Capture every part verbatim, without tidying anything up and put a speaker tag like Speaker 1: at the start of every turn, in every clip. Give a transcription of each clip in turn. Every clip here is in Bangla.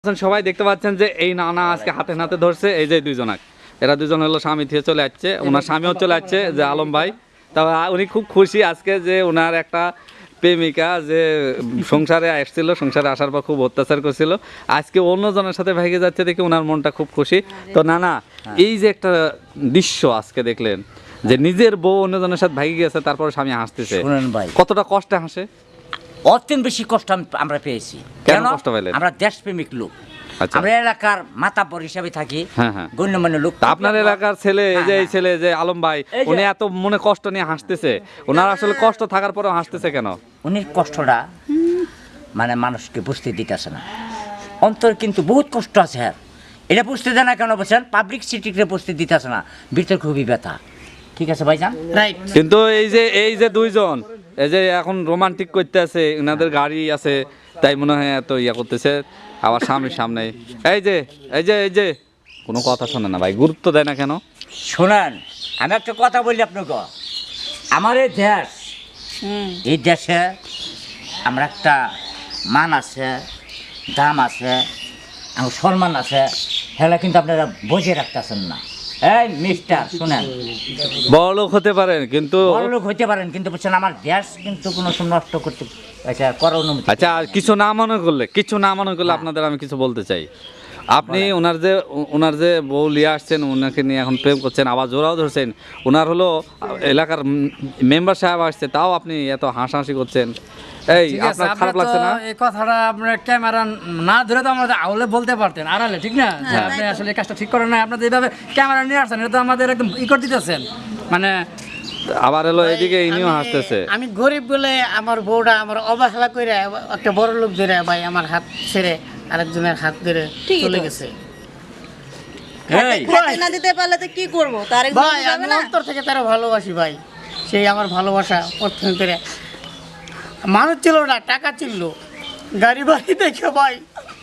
Speaker 1: সবাই দেখতে পাচ্ছেন যে এই নানা আজকে হাতে নাতে ধরছে এই যে দুইজনাক এরা দুজন হলো স্বামী থেকে চলে যাচ্ছে ওনার স্বামীও চলে যাচ্ছে যে আলম ভাই তা উনি খুব খুশি আজকে যে ওনার একটা প্রেমিকা যে সংসারে আসছিল সংসারে আসার পর খুব অত্যাচার করছিল আজকে অন্যজনের সাথে ভেগে যাচ্ছে দেখে ওনার মনটা খুব খুশি তো নানা এই যে একটা দৃশ্য আজকে দেখলেন যে নিজের বউ অন্যজনের সাথে ভেগে গেছে তারপর স্বামী হাসতেছে কতটা কষ্টে হাসে
Speaker 2: অত্যন্ত বেশি কষ্ট আমরা পেয়েছি
Speaker 1: কেন কষ্ট পেলেন
Speaker 2: আমরা দেশপ্রেমিক লোক আমরা এলাকার মাতাব্বর হিসাবে থাকি গণ্যমান্য লোক
Speaker 1: আপনার এলাকার ছেলে যে এই ছেলে যে আলম ভাই উনি এত মনে কষ্ট নিয়ে হাসতেছে ওনার আসলে কষ্ট থাকার পরেও হাসতেছে কেন
Speaker 2: উনি কষ্টটা মানে মানুষকে বুঝতে দিতেছে না অন্তর কিন্তু বহুত কষ্ট আছে হ্যাঁ এটা বুঝতে দেয় না কেন বলছেন পাবলিক সিটিকে বুঝতে দিতেছে না ভিতর খুবই ব্যথা ঠিক আছে ভাইজান রাইট
Speaker 1: কিন্তু এই যে এই যে দুইজন এই যে এখন রোমান্টিক করতে আছে ওনাদের গাড়ি আছে তাই মনে হয় এত ইয়া করতেছে আবার স্বামীর সামনে এই যে এই যে এই যে কোনো কথা শোনে না ভাই গুরুত্ব দেয় না কেন
Speaker 2: শোনেন আমি একটা কথা বলি আপনাকে আমার এই দেশ এই দেশে আমরা একটা মান আছে দাম আছে আমার সম্মান আছে হেলা কিন্তু আপনারা বসে রাখতেছেন না এই মিস্টার শুনেন
Speaker 1: বড় লোক হতে পারেন কিন্তু
Speaker 2: বড় লোক হতে পারেন কিন্তু বলছেন আমার দেশ কিন্তু কোনো সময় নষ্ট করতে আচ্ছা করার অনুমতি
Speaker 1: আচ্ছা কিছু না মনে করলে কিছু না মনে করলে আপনাদের আমি কিছু বলতে চাই আপনি ওনার যে ওনার যে বউ নিয়ে আসছেন ওনাকে নিয়ে এখন প্রেম করছেন আবার জোরাও ধরছেন ওনার হলো এলাকার মেম্বার সাহেব আসছে তাও আপনি এত হাসাহাসি করছেন এই আপনার খারাপ লাগছে না
Speaker 3: এই কথাটা আপনার ক্যামেরা না ধরে তো আমরা আউলে বলতে পারতেন আড়ালে ঠিক না যে আপনি আসলে এই কাজটা ঠিক করেন না আপনাদের এইভাবে ক্যামেরা নিয়ে আসছেন এটা তো আমাদের একদম ই করে দিতেছেন মানে
Speaker 1: আবার হলো এদিকে ইনিও হাসতেছে
Speaker 4: আমি গরিব বলে আমার বউটা আমার অবহেলা করে একটা বড় লোক ধরে ভাই আমার হাত ছেড়ে আরেকজনের হাত ধরে চলে গেছে
Speaker 5: না দিতে পারলে তো কি করবো তার
Speaker 4: ভাই আমি অন্তর থেকে তারা ভালোবাসি ভাই সেই আমার ভালোবাসা প্রথম করে মানুষ ছিল না টাকা ছিল গাড়ি বাড়ি দেখে ভাই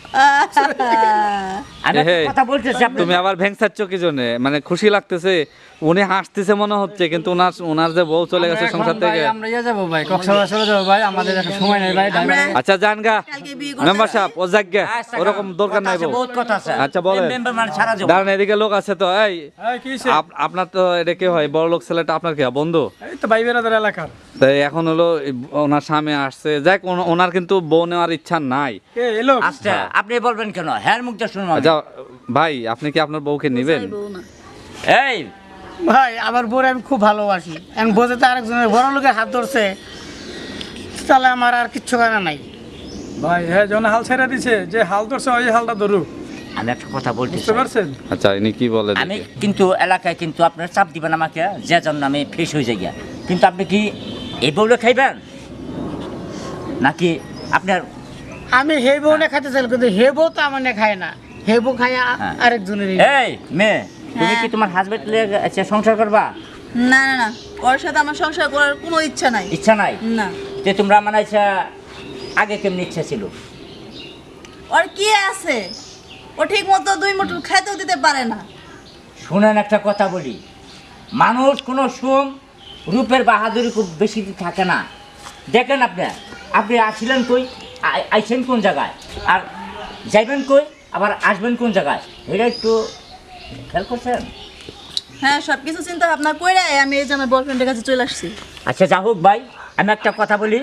Speaker 1: তুমি আবার ভেংসাচ্ছ কি জন্য মানে খুশি লাগতেছে উনি হাসতেছে মনে হচ্ছে কিন্তু ওনার ওনার যে বউ চলে গেছে সংসার থেকে
Speaker 3: আমরা ইয়ে যাবো ভাই কক্সবাজার চলে যাবো ভাই আমাদের একটা সময় নেই ভাই
Speaker 1: আচ্ছা জান গা মেম্বার সাহেব ও জায়গা ওরকম দরকার নাই বউ আচ্ছা বলেন দাঁড়ান এদিকে লোক আছে তো এই আপনার তো এটা কি হয় বড় লোক ছেলেটা আপনার কি বন্ধু
Speaker 3: এই তো ভাই বেরাদের এলাকার
Speaker 1: তাই এখন হলো ওনার স্বামী আসছে যাক ওনার কিন্তু বউ নেওয়ার ইচ্ছা নাই
Speaker 2: আচ্ছা আপনি বলবেন কেন হ্যাঁ মুখটা শুনবো
Speaker 1: আচ্ছা ভাই আপনি কি আপনার বউকে নেবেন
Speaker 2: এই
Speaker 4: ভাই আমার বউরে আমি খুব ভালোবাসি এখন বোঝে তো আরেকজনের বড় লোকের হাত ধরছে তাহলে আমার আর কিচ্ছু করার নাই
Speaker 3: ভাই হ্যাঁ যখন হাল ছেড়ে দিছে যে হাল ধরছে ওই হালটা ধরুক
Speaker 2: আমি একটা কথা বলতে
Speaker 3: বুঝতে পারছেন
Speaker 1: আচ্ছা ইনি কি বলে
Speaker 2: আমি কিন্তু এলাকায় কিন্তু আপনার চাপ দিবেন আমাকে যে জন্য আমি ফ্রেশ হয়ে যাই কিন্তু আপনি কি এই বউলে খাইবেন নাকি আপনার
Speaker 4: আমি হে বউ না খাইতে চাই কিন্তু হে বউ তো আমার না খায় না হে বউ খায় আরেকজনের
Speaker 2: এই মেয়ে তুমি কি তোমার হাজবেন্ড আচ্ছা সংসার করবা
Speaker 5: না না না ওর সাথে আমার সংসার করার কোনো ইচ্ছা নাই
Speaker 2: ইচ্ছা নাই
Speaker 5: না
Speaker 2: যে তোমরা মানে আচ্ছা আগে কেমন ইচ্ছা ছিল
Speaker 5: ওর কি আছে ও ঠিক মতো দুই মুঠো খেতেও দিতে পারে না
Speaker 2: শুনেন একটা কথা বলি মানুষ কোনো সুম রূপের বাহাদুরি খুব বেশি থাকে না দেখেন আপনি আপনি আসছিলেন কই আইছেন কোন জায়গায় আর যাইবেন কই আবার আসবেন কোন জায়গায় এটা একটু খেয়াল করছেন
Speaker 5: হ্যাঁ সব কিছু চিন্তা ভাবনা করে আমি এই যে আমার বয়ফ্রেন্ডের কাছে চলে আসছি
Speaker 2: আচ্ছা যা হোক ভাই আমি একটা কথা বলি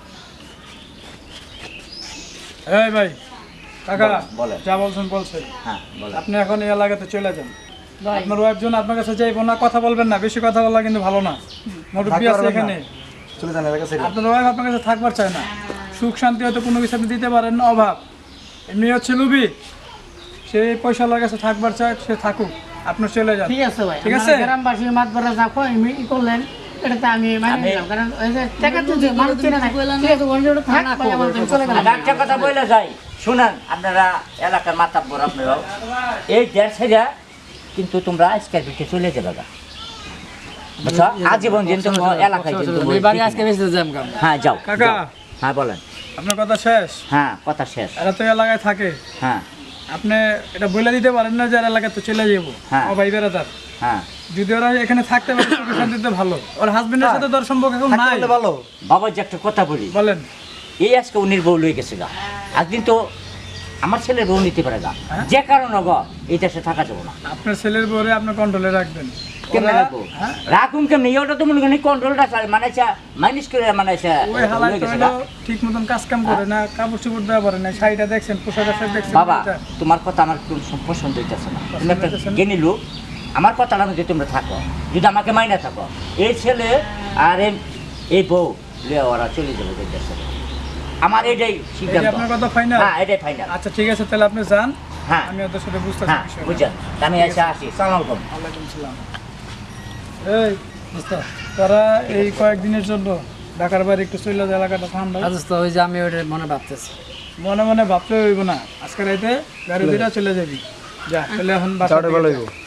Speaker 3: এই ভাই কাকা
Speaker 2: বলেন
Speaker 3: যা বলছেন বলছেন
Speaker 2: হ্যাঁ বলেন
Speaker 3: আপনি এখন এই এলাকাতে চলে যান আপনার ওয়াইফ জন আপনার কাছে যাইবো না কথা বলবেন না বেশি কথা বলা কিন্তু ভালো না মুরব্বি আছে এখানে চলে যান এলাকা থেকে আপনার ওয়াইফ আপনার কাছে থাকবার চায় না সুখ শান্তি হয়তো কোনো কিছু আপনি দিতে পারেন না অভাব এমনি হচ্ছে লুবি সে পয়সা লাগার কাছে থাকবার চায় সে থাকুক আপনার চলে যান
Speaker 4: ঠিক আছে ভাই
Speaker 3: ঠিক আছে
Speaker 4: গ্রামবাসী মাত বড় যা কই আমি ই করলেন এটা তো আমি মানে নিলাম কারণ ওই যে টাকা তো যে মানুষ চেনে না ঠিক আছে ওই জন্য থাক ভাই আমার চলে গেল
Speaker 2: আর একটা কথা বলে যাই শুনেন আপনারা এলাকার মাতাব্বর আপনারাও এই দেড় ছেড়ে কিন্তু তোমরা আজকের ভিতরে চলে যাবে গা বুঝছো আজীবন দিন তোমরা এলাকায় কিন্তু
Speaker 3: বাড়ি আজকে বেশি যাম কাম
Speaker 2: হ্যাঁ যাও
Speaker 3: কাকা
Speaker 2: হ্যাঁ বলেন
Speaker 3: আপনার কথা শেষ
Speaker 2: হ্যাঁ কথা শেষ
Speaker 3: এরা তো এলাকায় থাকে
Speaker 2: হ্যাঁ
Speaker 3: আপনি এটা বলে দিতে পারেন না যে এলাকায় তো চলে যাবো
Speaker 2: হ্যাঁ
Speaker 3: ও ভাই বেড়াদার
Speaker 2: হ্যাঁ
Speaker 3: যদি ওরা এখানে থাকতে পারে সুখ শান্তিতে ভালো ওর হাজবেন্ডের সাথে তোর সম্পর্ক এখন নাই ভালো
Speaker 2: বাবা যে একটা কথা বলি
Speaker 3: বলেন
Speaker 2: এই আজকে উনির বউ লয়ে গেছে গা একদিন তো আমার ছেলের বউ নিতে পারে না যে কারণে গো এই দেশে থাকা যাবো না
Speaker 3: আপনার ছেলের বউরে আপনার কন্ট্রোলে রাখবেন।
Speaker 2: কেমনে
Speaker 3: ওরা-
Speaker 2: রাখবো
Speaker 3: হ্যাঁ?
Speaker 2: রাখুন কেমনি ওটা তো মনে করি কন্ট্রোলটা মানে মাইনাস করে মানে
Speaker 3: ওই হালাই তো হলো ঠিক মতন কাজ কাম করে না, কাপড় চোপড় দেওয়া পারে না, শাড়িটা দেখছেন, পোশাক আশাক দেখছেন।
Speaker 2: বাবা
Speaker 3: এটা।
Speaker 2: তোমার কথা আমার একটু পছন্দ হইতেছে না তুমি একটা
Speaker 3: হইতেছে না?
Speaker 2: জ্ঞানী লোক আমার কথাটা যদি তোমরা থাকো যদি আমাকে মাইনা থাকো এই ছেলে আর এই- এই বউ লিয়া ওরা চলে যাবে এই দেশে আমার এটাই
Speaker 3: এই যে
Speaker 2: সিদ্ধান্ত
Speaker 3: আপনার কথা ফাইনাল।
Speaker 2: হ্যাঁ এটাই ফাইনাল
Speaker 3: আচ্ছা ঠিক আছে, তাহলে আপনি যান,
Speaker 2: হ্যাঁ
Speaker 3: আমি ওদের সাথে বুঝতেছি
Speaker 2: হ্যাঁ
Speaker 3: বিষয়টা।
Speaker 2: বুঝছেন আমি এসে আসি সালাম আলাইকুম
Speaker 3: ওয়ালাইকুম সালাম। এই দোস্ত, তারা এই কয়েকদিনের জন্য ঢাকার বাইরে একটু চলে যায়, এলাকাটা ঠান্ডা।
Speaker 4: তো ওই যে আমি ওটা মনে ভাবতেছি
Speaker 3: মনে মনে ভাবতে হইব না, আজকে রাইতে গাড়ি দুইটা চলে যাবি। যা তাহলে এখন বাসা থেকে যা।